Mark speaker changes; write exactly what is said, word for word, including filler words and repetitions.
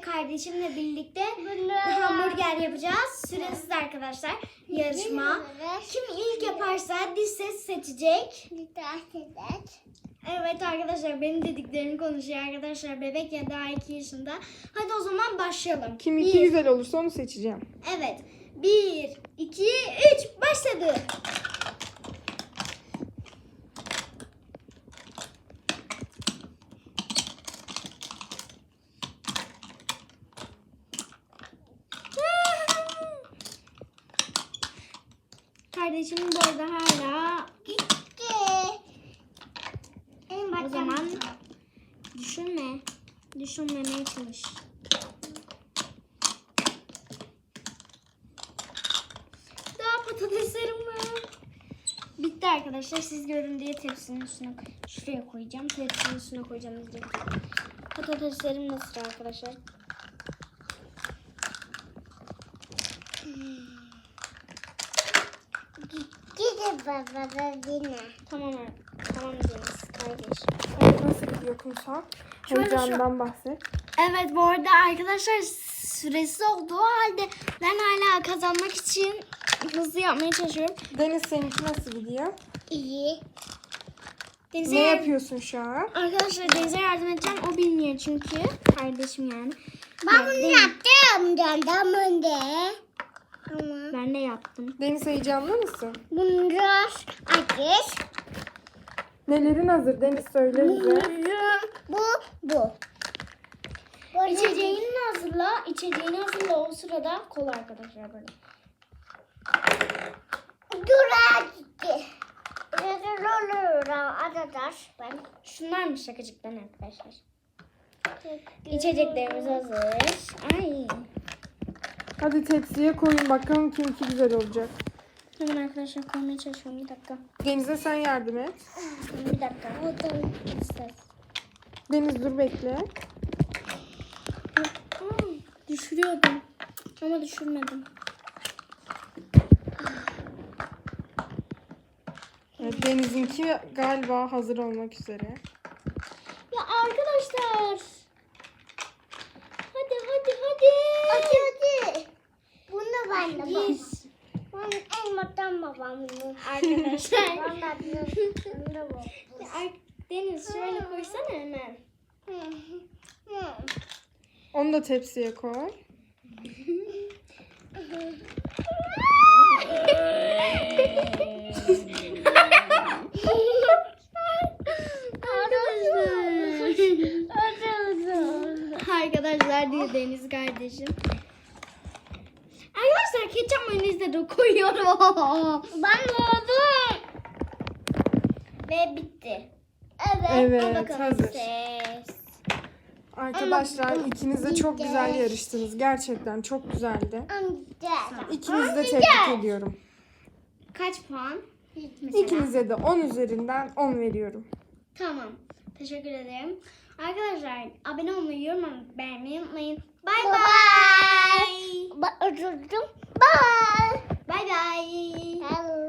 Speaker 1: kardeşimle birlikte hamburger yapacağız. Süresiz arkadaşlar yarışma. Kim ilk yaparsa diş ses seçecek. Evet arkadaşlar benim dediklerimi konuşuyor arkadaşlar. Bebek ya daha iki yaşında. Hadi o zaman başlayalım.
Speaker 2: Kim iki
Speaker 1: Bir.
Speaker 2: güzel olursa onu seçeceğim.
Speaker 1: Evet. Bir, iki, üç. Başladı. Kardeşim bu arada hala o zaman düşünme. Düşünmemeye çalış. Daha patateslerim var. Bitti arkadaşlar. Siz görün diye tepsinin üstüne şuraya koyacağım. Tepsinin üstüne koyacağım. İzleyin. Patateslerim nasıl arkadaşlar?
Speaker 3: Gidi baba da yine.
Speaker 1: Tamam tamam Deniz kardeş.
Speaker 2: Evet, nasıl gidiyor kumsal?
Speaker 1: Şöyle
Speaker 2: Heyecandan bahset.
Speaker 1: Evet bu arada arkadaşlar süresi olduğu halde ben hala kazanmak için hızlı yapmaya çalışıyorum.
Speaker 2: Deniz seninki nasıl gidiyor?
Speaker 3: İyi.
Speaker 1: Deniz'e
Speaker 2: Ne
Speaker 1: yar-
Speaker 2: yapıyorsun şu an?
Speaker 1: Arkadaşlar Deniz'e yardım edeceğim. O bilmiyor çünkü. Kardeşim yani.
Speaker 3: Ben bunu yaptım. Candan önde. Ama
Speaker 1: Ben de yaptım.
Speaker 2: Deniz heyecanlı mısın?
Speaker 3: bunu biraz ateş.
Speaker 2: Nelerin hazır Deniz söyle bize.
Speaker 3: Bu, bu. Bu
Speaker 1: İçeceğini hazırla. İçeceğini hazırla o sırada kol arkadaşlar böyle.
Speaker 3: Dura gitti. Olur arkadaş. Ben
Speaker 1: Şunlarmış şakacıktan arkadaşlar. İçeceklerimiz hazır. Ay.
Speaker 2: Hadi tepsiye koyun bakalım kimki güzel olacak.
Speaker 1: Hemen arkadaşlar koymaya çalışıyorum. Bir dakika.
Speaker 2: Deniz'e sen yardım et.
Speaker 1: Bir dakika. Ses.
Speaker 2: Deniz dur bekle.
Speaker 1: Aa, düşürüyordum. Ama düşürmedim.
Speaker 2: Evet, Deniz'inki galiba hazır olmak üzere.
Speaker 1: Ya arkadaşlar. Hadi hadi hadi.
Speaker 3: Hadi hadi. Bunu ben de bak.
Speaker 1: Bir.
Speaker 3: Ben en mutlu babam bunu.
Speaker 1: Arkadaşlar.
Speaker 3: Ben de bunu da bak.
Speaker 1: Ya ar- Deniz şöyle koysana hemen.
Speaker 2: Onu da tepsiye koy.
Speaker 1: Arkadaşlar diye Deniz kardeşim. Arkadaşlar ketçap mayonez de koyuyorum.
Speaker 3: Ben oldum.
Speaker 1: Ve bitti.
Speaker 3: Evet.
Speaker 1: Al
Speaker 2: Evet
Speaker 1: bakalım
Speaker 2: hazır.
Speaker 1: ses.
Speaker 2: Arkadaşlar ikiniz de çok güzel yarıştınız. Gerçekten çok güzeldi.
Speaker 3: Amca.
Speaker 2: İkinizi de tebrik ediyorum.
Speaker 1: Kaç puan? Mesela.
Speaker 2: İkinize de on üzerinden on veriyorum.
Speaker 1: Tamam. Teşekkür ederim. Arkadaşlar abone olmayı, yorum atmayı, beğenmeyi unutmayın. Bay
Speaker 3: Bye
Speaker 1: bay.
Speaker 3: Bye. Bye. Bye.
Speaker 1: Bay bay.
Speaker 3: Hello.